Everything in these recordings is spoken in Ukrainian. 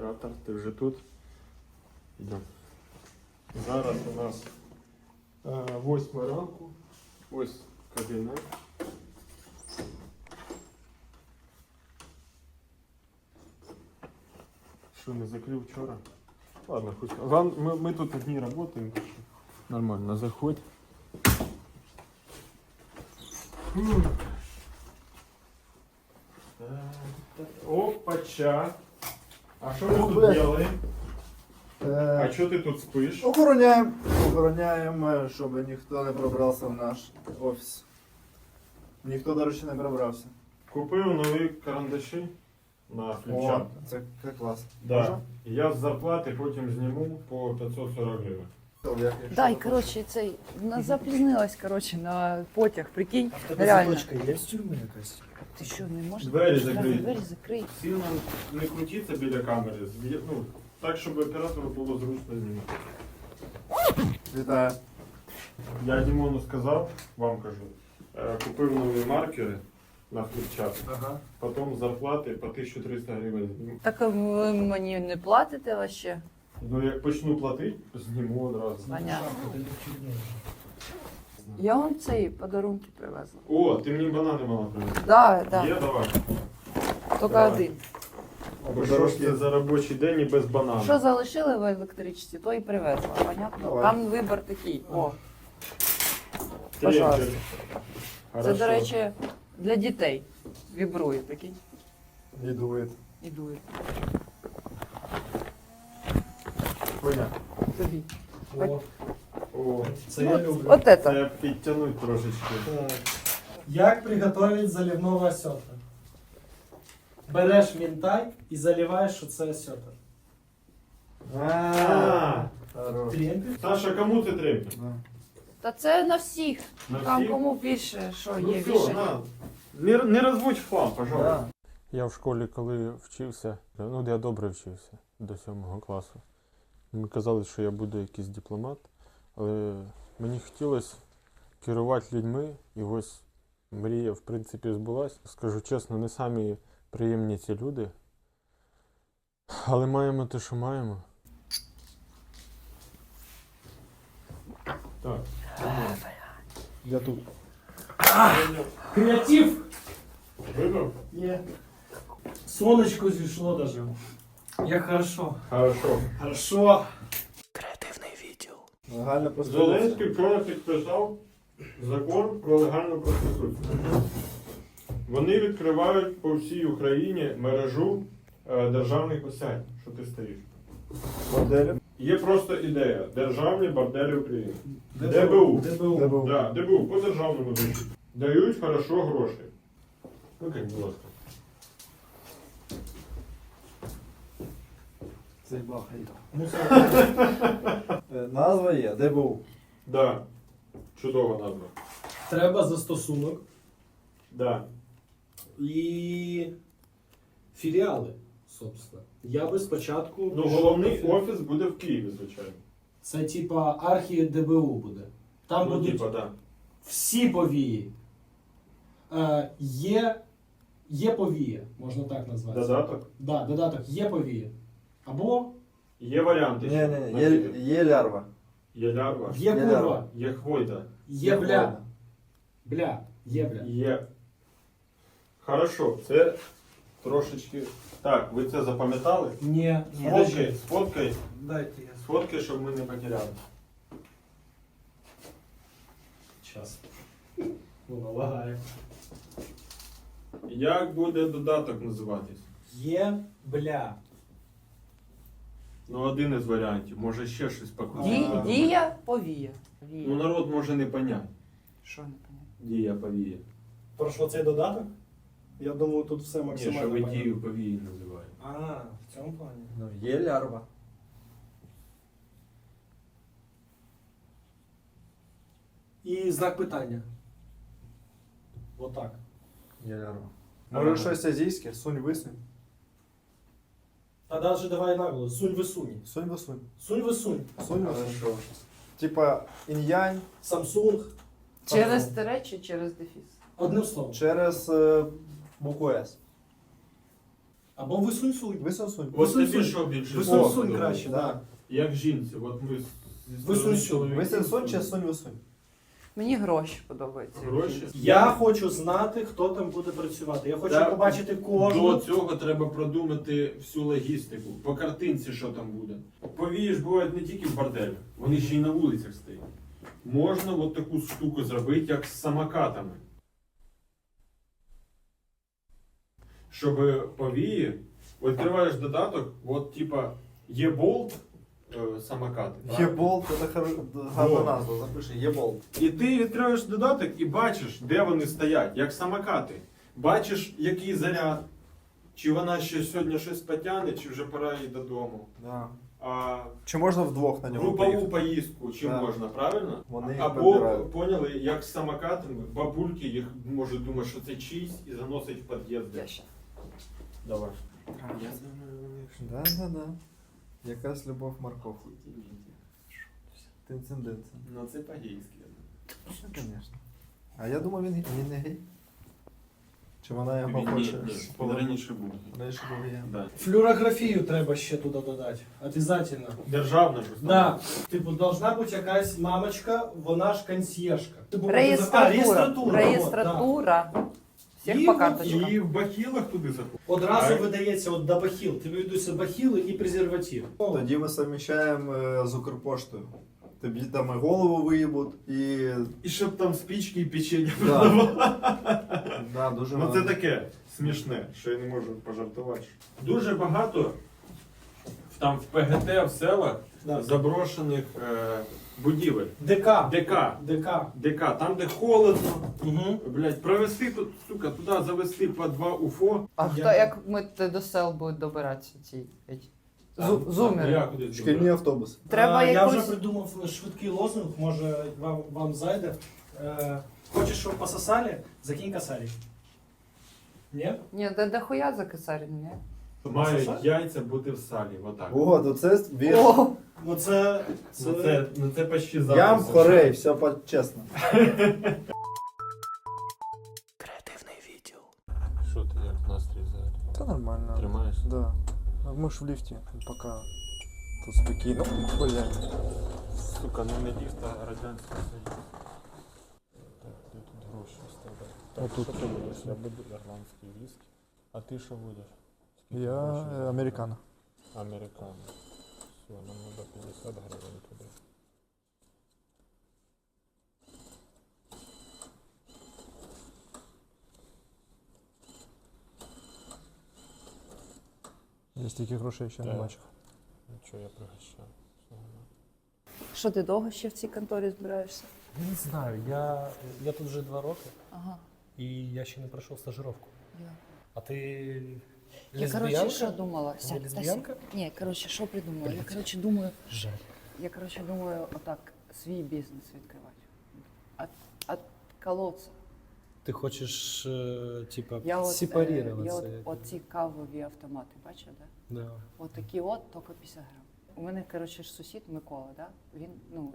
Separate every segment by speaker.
Speaker 1: Оператор, ти вже тут? Йдемо. Зараз у нас 8 ранку. Ось кабінет. Що, не закрив вчора? Ладно, хоть. Мы тут одни работаем. Нормально, заходь. Опача. А що ми тут робимо? А що ти тут спиш?
Speaker 2: Охороняємо, щоб ніхто не пробрався в наш офіс. Ніхто, до речі, не пробрався.
Speaker 1: Купив нові карандаші на ключа.
Speaker 2: Це клас.
Speaker 1: Да. Я з зарплати потім зніму по 540 гривень.
Speaker 3: Да, і коротше, цей запізнилась, коротше, на потяг, прикинь.
Speaker 2: А в тебе
Speaker 3: Реально.
Speaker 2: заточка є в тюрмі якась?
Speaker 3: Ти що, не можеш?
Speaker 1: Двері закрий.
Speaker 3: Двері закрий.
Speaker 1: Сильно не крутіться біля камери. Ну, так, щоб оператору було зручно знімати.
Speaker 2: Вітаю.
Speaker 1: Я Дімону сказав, вам кажу, купив нові маркери на фліпчарт.
Speaker 2: Ага.
Speaker 1: Потім зарплати по 1300 гривень зніму.
Speaker 3: Так а ви мені не платите вообще?
Speaker 1: Ну, як почну платити, зніму одразу.
Speaker 3: Понятно. Я вам цей подарунки привезла.
Speaker 1: О, ти мені банани мала привезти.
Speaker 3: Да, да.
Speaker 1: Є, давай.
Speaker 3: Тільки
Speaker 1: Давай.
Speaker 3: один.
Speaker 1: Бо що ж це за робочий день і без банану?
Speaker 3: Що залишили в електричці, то і привезла. Понятно?
Speaker 2: Давай.
Speaker 3: Там вибір такий. О,
Speaker 1: Тренчик.
Speaker 3: пожалуйста. Це,
Speaker 1: Хорошо.
Speaker 3: до речі, для дітей. Вібрує, прикинь.
Speaker 2: Не дует.
Speaker 3: І дує.
Speaker 2: Понятно.
Speaker 3: Тобі.
Speaker 1: О,
Speaker 2: Це я люблю.
Speaker 3: От це.
Speaker 1: це підтягнуть трошечки.
Speaker 4: Так. Як приготовить заливного осетра? Береш мінтай і заливаєш оце осетр.
Speaker 1: А,
Speaker 2: Хорош.
Speaker 4: Тремпель.
Speaker 1: Саша, кому це треба?
Speaker 2: Да.
Speaker 3: Та це на всіх.
Speaker 1: На
Speaker 3: Там
Speaker 1: всіх?
Speaker 3: кому більше, що
Speaker 1: Ну
Speaker 3: є
Speaker 1: все,
Speaker 3: більше.
Speaker 1: на. Не розводь в хлам, пожалуйста.
Speaker 2: Да.
Speaker 1: Я в школі, коли вчився, ну я добре вчився до 7 класу. Мені казали, що я буду якийсь дипломат, але мені хотілося керувати людьми, і ось мрія, в принципі, збулась. Скажу чесно, не самі приємні ці люди, але маємо те, що маємо. Так.
Speaker 2: Я тут.
Speaker 4: Креатив!
Speaker 1: Вибрав?
Speaker 4: Є. Сонечко зійшло даже. Як хорошо.
Speaker 1: Хорошо.
Speaker 4: Хорошо.
Speaker 2: Легально проституція.
Speaker 1: Зеленський вчора підписав закон про легальну проституцію. Вони відкривають по всій Україні мережу державних осядь, що ти стоїш.
Speaker 2: Моделі.
Speaker 1: Є просто ідея. Державні борделі України. ДБУ.
Speaker 4: ДБУ.
Speaker 1: Да, ДБУ по державному дорожку. Дають хорошо гроші. Ну, як, будь ласка.
Speaker 2: Це багато.
Speaker 4: Ну,
Speaker 2: Назва є. ДБУ.
Speaker 1: Да. Чудова назва.
Speaker 4: треба застосунок
Speaker 1: Да.
Speaker 4: і філіали, собственно. Я би спочатку...
Speaker 1: Ну, головний офіс буде в Києві, звичайно.
Speaker 4: Це типа архі ДБУ буде. Там
Speaker 1: Ну,
Speaker 4: будуть
Speaker 1: типа, да.
Speaker 4: всі повії. Є повія, можна так назвати.
Speaker 1: Додаток.
Speaker 4: Да, додаток є повія. Або
Speaker 1: Є варіанти.
Speaker 2: Ні, є лярва.
Speaker 1: Є лярва.
Speaker 4: є
Speaker 2: Є
Speaker 4: курва,
Speaker 2: лярва.
Speaker 1: Є хвойда.
Speaker 4: є бля. Бля, є бля.
Speaker 1: Є. Хорошо, це трошечки. Так, ви це запам'ятали?
Speaker 4: Ні.
Speaker 1: Сфоткай,
Speaker 4: Дайте я.
Speaker 1: сфоткай, щоб ми не потеряли.
Speaker 4: Час. Воно лагає.
Speaker 1: Як буде додаток називатись?
Speaker 4: Є бля.
Speaker 1: Ну, один із варіантів. Може ще щось покрутити.
Speaker 3: Дія, повія.
Speaker 1: Ну, народ може не поняти.
Speaker 3: Що не понятно?
Speaker 1: Дія повія.
Speaker 4: Про що цей додаток? Я думаю, тут все
Speaker 1: Ні,
Speaker 4: максимально.
Speaker 1: що ви
Speaker 4: понятно.
Speaker 1: дію повії називаєте.
Speaker 4: А, в цьому плані.
Speaker 2: Ну, є лярва.
Speaker 4: І знак питання. Отак.
Speaker 2: Є лярва.
Speaker 1: Ага.
Speaker 2: Може щось азійське? Сунь висунь.
Speaker 4: Та навіть давай наголос. Сунь висунь.
Speaker 2: Сунь висунь.
Speaker 4: Сунь висунь.
Speaker 2: Сунь висунь.
Speaker 1: Хорошо.
Speaker 2: Типа інь-янь
Speaker 4: Samsung.
Speaker 3: Через тире чи через дефіс?
Speaker 4: Одним словом.
Speaker 2: через букву С.
Speaker 4: Або висунь-сунь.
Speaker 2: Висосунь.
Speaker 1: От
Speaker 4: Висунь-сунь.
Speaker 1: тобі що більше?
Speaker 4: Висунь-сунь
Speaker 1: подобається?
Speaker 4: краще,
Speaker 2: да.
Speaker 4: так.
Speaker 1: Як жінці, от ми
Speaker 4: Висунь-сунь.
Speaker 2: Висосунь чи сунь-висунь?
Speaker 3: Мені гроші подобаються.
Speaker 1: Гроші?
Speaker 4: Я хочу знати, хто там буде працювати. Я хочу
Speaker 1: Так,
Speaker 4: побачити
Speaker 1: До
Speaker 4: кожну.
Speaker 1: цього треба продумати всю логістику. По картинці, що там буде. Повії ж бувають не тільки в борделях, вони ще й на вулицях стоять. Можна от таку штуку зробити, як з самокатами. Щоб повії, відкриваєш додаток, от типа є болт самокати. правильно?
Speaker 2: Єболт, це гарна
Speaker 1: Во.
Speaker 2: назва, запиши, єболт.
Speaker 1: І ти відкриваєш додаток і бачиш, де вони стоять, як самокати. Бачиш, який заряд. Чи вона ще сьогодні щось потягне, чи вже пора їй додому.
Speaker 2: Да.
Speaker 1: А
Speaker 2: Чи можна вдвох на нього
Speaker 1: групову
Speaker 2: поїхати?
Speaker 1: поїздку, чи
Speaker 2: Да.
Speaker 1: можна, правильно?
Speaker 2: Вони їх
Speaker 1: Або
Speaker 2: підбирають.
Speaker 1: поняли, як з самокатами, бабульки їх можуть думати, що це чийсь, і заносить в під'їзд.
Speaker 3: Я ще.
Speaker 1: Давай.
Speaker 2: Да. Якась любов морков. Тинцин-динцин.
Speaker 1: Ну це по-гейськи.
Speaker 2: Ну, звісно. А я думав, він не гей. Чи вона його
Speaker 1: Він
Speaker 2: хоче?
Speaker 1: він раніше був.
Speaker 2: Раніше був геєм.
Speaker 1: Да.
Speaker 4: Флюорографію треба ще туди додати. Обязательно.
Speaker 1: Державна ж.
Speaker 4: Да. Типу, должна бути якась мамочка, вона ж консьєржка.
Speaker 3: Реєстратура.
Speaker 4: Реєстратура.
Speaker 3: Реєстратура. Всіх
Speaker 4: І
Speaker 3: по
Speaker 4: от-
Speaker 3: карточкам.
Speaker 1: І в бахілах туди заходить.
Speaker 4: Одразу
Speaker 1: А?
Speaker 4: видається от до бахіл. Тобі йдуться бахіли і презерватив.
Speaker 2: Тоді ми совміщаємо з Укрпоштою. Тобі там і голову виїбуть, і...
Speaker 1: І щоб там спічки і печення
Speaker 2: Да.
Speaker 1: продавали.
Speaker 2: Да, дуже
Speaker 1: Ну це
Speaker 2: гарно.
Speaker 1: таке смішне, що я не можу пожартувати. Дуже багато там в ПГТ, в селах
Speaker 4: Да.
Speaker 1: заброшених будівель.
Speaker 4: ДК.
Speaker 1: ДК.
Speaker 4: ДК.
Speaker 1: Там, де холодно,
Speaker 4: Угу.
Speaker 1: блядь, провести тут, сука, туди завести по 2 УФО.
Speaker 3: А
Speaker 4: Я-
Speaker 3: хто, як ми до сел будуть добиратися ці зумери?
Speaker 1: Я кудись
Speaker 2: Шкільні
Speaker 1: добре.
Speaker 2: автобуси.
Speaker 3: Треба
Speaker 4: Я
Speaker 3: якусь...
Speaker 4: вже придумав швидкий лозунг, може вам зайде. Хочеш, щоб пососали, закинь косарик. Ні?
Speaker 3: Ні, да хуя за кисарін, ні?
Speaker 1: Мають
Speaker 4: Сосать?
Speaker 1: яйця бути в салі, отак.
Speaker 2: О, то це вірш.
Speaker 3: О,
Speaker 4: Ну це...
Speaker 1: Ну це почти зараз.
Speaker 2: Ям хорей, все чесно.
Speaker 1: Що ти, як настрій взагалі?
Speaker 2: Та нормально.
Speaker 1: Тримаєшся?
Speaker 2: Да. Ми ж в ліфті, поки тут спокійно. Блядь.
Speaker 1: Сука, ну не ліфт, а Радянський Союз. Так, де тут гроші вставляти? Так,
Speaker 2: Отут.
Speaker 1: що ти будеш? Я буду ірландський віскі. А ти що будеш? Скільки
Speaker 2: Я
Speaker 1: грошей?
Speaker 2: американо.
Speaker 1: Американо. Все, нам треба 50 гривень туди.
Speaker 2: Я стільки грошей ще не
Speaker 1: Так.
Speaker 2: бачив.
Speaker 1: Нічого, я пригощаю. Все нормально.
Speaker 3: що ти довго ще в цій конторі збираєшся?
Speaker 5: Не знаю, я тут вже 2 роки,
Speaker 3: Ага.
Speaker 5: і я ще не пройшов стажировку.
Speaker 3: Я,
Speaker 5: А ти
Speaker 3: я
Speaker 5: лесбіянка?
Speaker 3: коротше, що думала?
Speaker 5: Ти
Speaker 3: Сядь, та
Speaker 5: лесбіянка?
Speaker 3: сядь. Ні, коротше, що придумала? Я, коротше, думаю,
Speaker 5: Жаль.
Speaker 3: отак, свій бізнес відкривати. От колодця.
Speaker 5: Ти хочеш, типа,
Speaker 3: Я
Speaker 5: сепарироваться.
Speaker 3: от ці кавові автомати, бачив, да?
Speaker 5: Да.
Speaker 3: От такі от, тільки 50 грам. У мене, коротше, ж сусід Микола, да? Він, ну,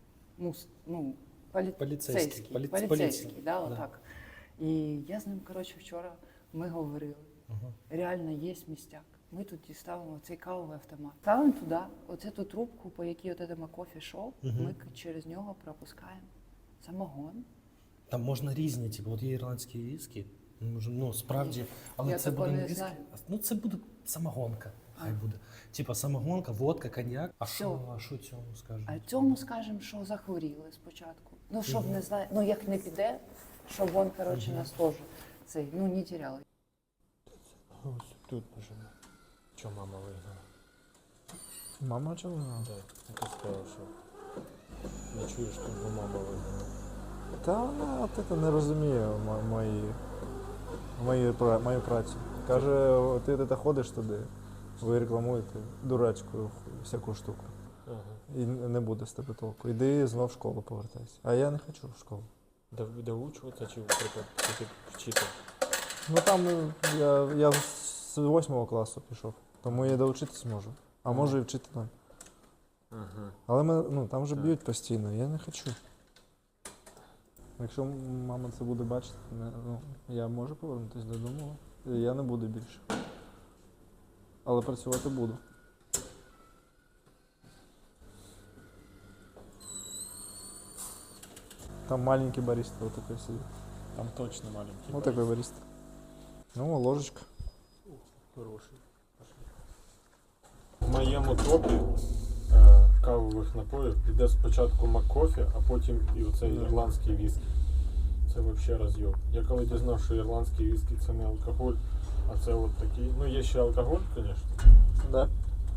Speaker 3: поліцейський,
Speaker 5: Поліцейський.
Speaker 3: поліцейський, да,
Speaker 5: Да.
Speaker 3: отак. І я з ним, коротше, вчора ми говорили.
Speaker 5: Ага.
Speaker 3: Реально є містяк. Ми тут ставимо цей кавовий автомат. Ставимо туди, оцю ту трубку, по якій от цьому кофі шоу, ми через нього пропускаємо самогон.
Speaker 5: Там можна різні, типу, от є ірландські віскі, ну, справді, але
Speaker 3: Я
Speaker 5: це
Speaker 3: такого
Speaker 5: буде
Speaker 3: не
Speaker 5: не віскі,
Speaker 3: знаю.
Speaker 5: ну це буде самогонка. Хай буде. Типа самогонка, водка, коньяк. А
Speaker 3: Всьо.
Speaker 5: що цьому скажемо?
Speaker 3: А цьому скажемо, що захворіли спочатку. Ну, щоб не знаю, ну як не піде, щоб він, коротше, нас теж цей, ну, не теряли.
Speaker 1: Ось тут нажимай. Що мама вигнала?
Speaker 2: Мама чого?
Speaker 1: Так, яка сказала, що не чуєш, що мама вигнала.
Speaker 2: Та вона це не розуміє мою працю. Каже, ти ходиш туди, ви рекламуєте дурацьку всяку штуку.
Speaker 1: Ага.
Speaker 2: І не буде з тебе толку. Іди знов в школу повертайся. А я не хочу в школу.
Speaker 1: Доучуватися чи наприклад, тільки вчити?
Speaker 2: Ну там я з 8 класу пішов, тому я доучитись можу. А можу і вчити ноль.
Speaker 1: Ага.
Speaker 2: Але мене, там вже
Speaker 1: Так.
Speaker 2: б'ють постійно, я не хочу. Якщо мама це буде бачити, я можу повернутися додому, я не буду більше. Але працювати буду. Там маленький бариста вот такой сидит.
Speaker 1: Там точно маленький.
Speaker 2: Вот такой бариста. Ну, ложечка.
Speaker 1: Хороший. В моєму топі кавових напоїв йде спочатку маккофі, а потім і оцей ірландський віскі. Це взагалі розйоб. Я коли дізнав, що ірландський віскі це не алкоголь, а це от такий. Ну є ще алкоголь, звісно.
Speaker 2: Да.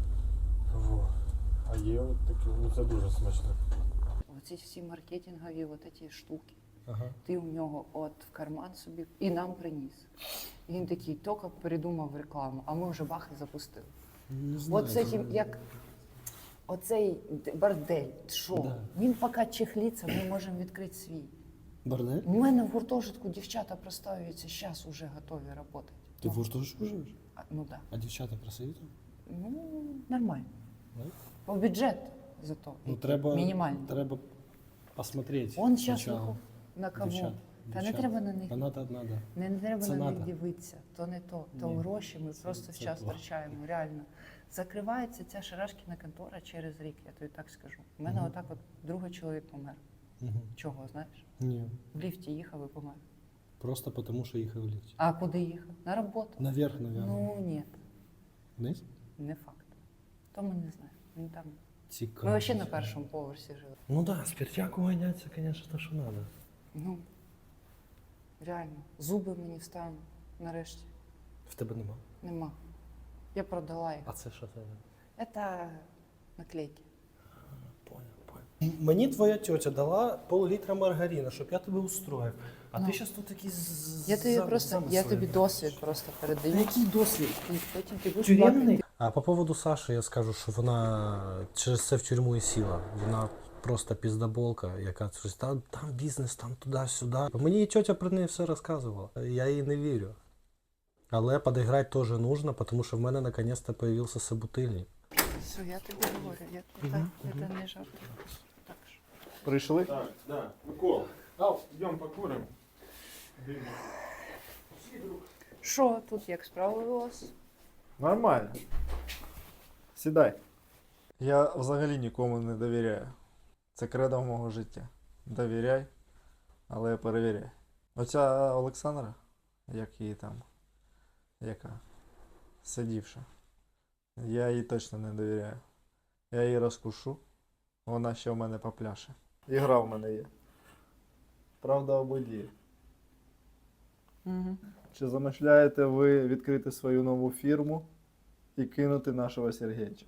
Speaker 1: Во. А є от такі, ну це дуже смачно.
Speaker 3: Оці всі маркетингові от ці штуки.
Speaker 5: Ага.
Speaker 3: Ти у нього от в карман собі і нам приніс. І він такий тільки передумав рекламу, а ми вже бах і запустили.
Speaker 5: Не знаю,
Speaker 3: От це як оцей бордель, що?
Speaker 5: Да.
Speaker 3: Він поки чехлиться, ми можемо відкрити свій.
Speaker 5: Бордель?
Speaker 3: У мене в гуртожитку дівчата проставляються, зараз вже готові працювати.
Speaker 5: Ти в гуртожитку живеш?
Speaker 3: Ну так.
Speaker 5: А дівчата красиві там?
Speaker 3: Ну, нормально.
Speaker 5: Да?
Speaker 3: По бюджет зато.
Speaker 5: Ну, треба,
Speaker 3: Мінімально.
Speaker 5: треба посмотреть.
Speaker 3: Он зараз
Speaker 5: спочатку.
Speaker 3: на кого?
Speaker 5: Дівчат,
Speaker 3: Та не
Speaker 5: дівчат.
Speaker 3: треба на них.
Speaker 5: Та надо.
Speaker 3: Не треба
Speaker 5: Це
Speaker 3: на них
Speaker 5: надо.
Speaker 3: дивитися, то не то. То
Speaker 5: Ні,
Speaker 3: гроші ми
Speaker 5: це-
Speaker 3: просто
Speaker 5: це
Speaker 3: час
Speaker 5: плохо.
Speaker 3: втрачаємо, реально. Закривається ця шарашкіна контора через рік, я тобі так скажу. У мене
Speaker 5: Мгм.
Speaker 3: отак от другий чоловік помер.
Speaker 5: Угу.
Speaker 3: Чого, знаєш?
Speaker 5: Ні,
Speaker 3: В ліфті їхав і помер.
Speaker 5: просто тому, що їхав в ліфті.
Speaker 3: А куди їхав? На роботу?
Speaker 5: Наверх, наверное.
Speaker 3: Ну ні,
Speaker 5: Вниз?
Speaker 3: не факт. То ми не знаємо. Він там.
Speaker 5: Цікаво.
Speaker 3: Ми взагалі на першому поверсі жили.
Speaker 5: Ну да, спиртяку гонять, це, конечно, то, що надо.
Speaker 3: Ну, реально. Зуби мені встануть нарешті.
Speaker 5: В тебе нема.
Speaker 3: Нема. Я продала їх.
Speaker 5: А це що це?
Speaker 3: Це наклейки.
Speaker 5: Понял. Мені твоя тетя дала пол-літра маргарина, щоб я тебе устроїв. А
Speaker 3: Ну.
Speaker 5: ти зараз тут такий
Speaker 3: Я тобі просто, я тобі досвід просто передаю.
Speaker 5: Який досвід?
Speaker 3: І потім ти будеш
Speaker 5: Тюремний?
Speaker 3: плакати.
Speaker 5: А по поводу Саші я скажу, що вона через це в тюрму і сіла. Вона просто піздаболка, яка щось там бізнес, там туди-сюди. Мені її тетя про неї все розказувала. Я їй не вірю. Але підіграти теж нужно, тому що в мене наконец-то появився собутильник.
Speaker 3: Все, я тобі говорю, я тобі так, це не жарт. Так ж.
Speaker 2: Прийшли?
Speaker 1: Так, да. Микола, йдемо покуримо.
Speaker 3: Що тут, як справи у вас?
Speaker 2: Нормально. Сідай. Я взагалі нікому не довіряю. Це кредо мого життя. Довіряй, але перевіряй. Оця Олександра, як її там, яка сидівша, я їй точно не довіряю. Я її розкушу, вона ще в мене попляше. Ігра в мене є. Правда об воді.
Speaker 3: Угу.
Speaker 2: Чи замишляєте ви відкрити свою нову фірму і кинути нашого Сергійча?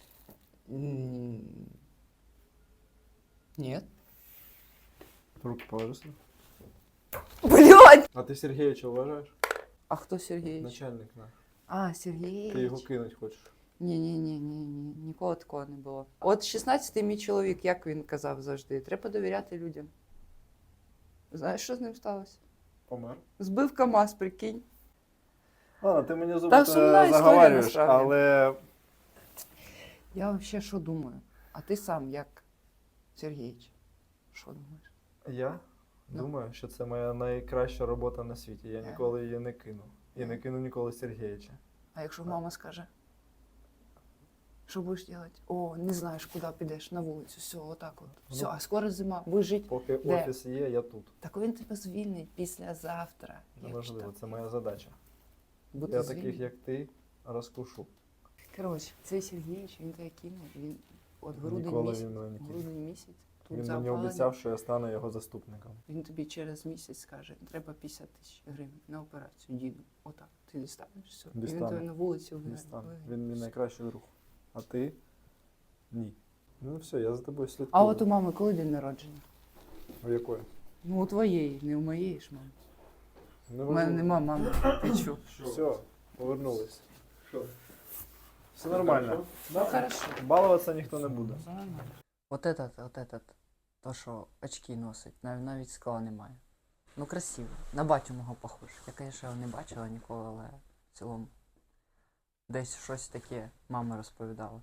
Speaker 3: Ні.
Speaker 2: Руки положи.
Speaker 3: Блядь!
Speaker 2: А ти Сергійовича вважаєш?
Speaker 3: А хто Сергій?
Speaker 2: Начальник наш.
Speaker 3: А, Сергій.
Speaker 2: Ти його кинуть хочеш.
Speaker 3: Ні, ніколи такого не було. От 16-й мій чоловік, як він казав завжди, треба довіряти людям. Знаєш, що з ним сталося?
Speaker 2: Помер.
Speaker 3: Збив КамАЗ, прикинь.
Speaker 2: Ладно, ти мені зуби
Speaker 3: Та сумна історія,
Speaker 2: заговарюєш,
Speaker 3: насправді.
Speaker 2: але
Speaker 3: Я взагалі що думаю? А ти сам як Сергійович? Що думаєш?
Speaker 2: я
Speaker 3: Ну.
Speaker 2: думаю, що це моя найкраща робота на світі. Я ніколи її не кину. І не кину ніколи Сергійовича.
Speaker 3: А якщо мама скаже? Що будеш робити? О, не знаєш, куди підеш, на вулицю, все, отак от. Все,
Speaker 2: Ну.
Speaker 3: а скоро зима, будеш жити.
Speaker 2: Поки
Speaker 3: Де?
Speaker 2: офіс є, я тут.
Speaker 3: Так він тебе звільнить післязавтра.
Speaker 2: Неважливо,
Speaker 3: якщо
Speaker 2: це моя задача.
Speaker 3: бути
Speaker 2: Я
Speaker 3: звільненим.
Speaker 2: таких, як ти, розкушу.
Speaker 3: Коротше, цей Сергійович, він тебе кинув, він от грудень
Speaker 2: Ніколи
Speaker 3: місяць,
Speaker 2: він мене не кине.
Speaker 3: грудень місяць, тут
Speaker 2: Він мені
Speaker 3: запалення.
Speaker 2: обіцяв, що я стану його заступником.
Speaker 3: Він тобі через місяць скаже, треба 50 тисяч гривень на операцію, діду. Отак, ти дістанеш все. І він
Speaker 2: Дістану.
Speaker 3: тебе на вулиці
Speaker 2: Не
Speaker 3: вигнає.
Speaker 2: стану. Він мій найкращий друг. А ти? Ні. Ну все, я за тобою слідкую.
Speaker 3: А от у мами коли день народження?
Speaker 2: У якої?
Speaker 3: Ну, у твоєї, не у моєї ж мами.
Speaker 2: Не
Speaker 3: У мене нема мами. Ти чо?
Speaker 2: Все, повернулись. Все нормально.
Speaker 3: Ну, хорошо.
Speaker 2: Балуватися ніхто не буде.
Speaker 6: Вот этот, то, що очки носить, навіть скла немає. Ну красиво. На батю мого похож. Я, звісно, його не бачила ніколи, але в цілому десь щось таке мама розповідала.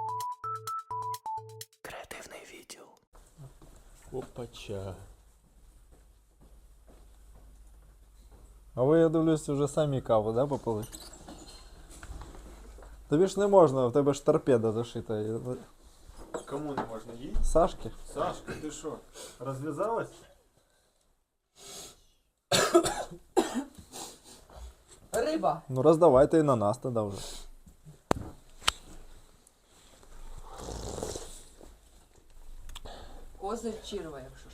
Speaker 5: Креативний відділ.
Speaker 1: Опача.
Speaker 2: А ви, я дивлюсь, вже самі каву, да, попили? Тобі ж не можна, в тебе ж торпеда зашита.
Speaker 1: Кому не можна їй?
Speaker 2: Сашки?
Speaker 1: Сашка, ти що, розв'язалась?
Speaker 6: Риба.
Speaker 2: Ну роздавайте і на нас тоді вже.
Speaker 6: Козир чірва, якщо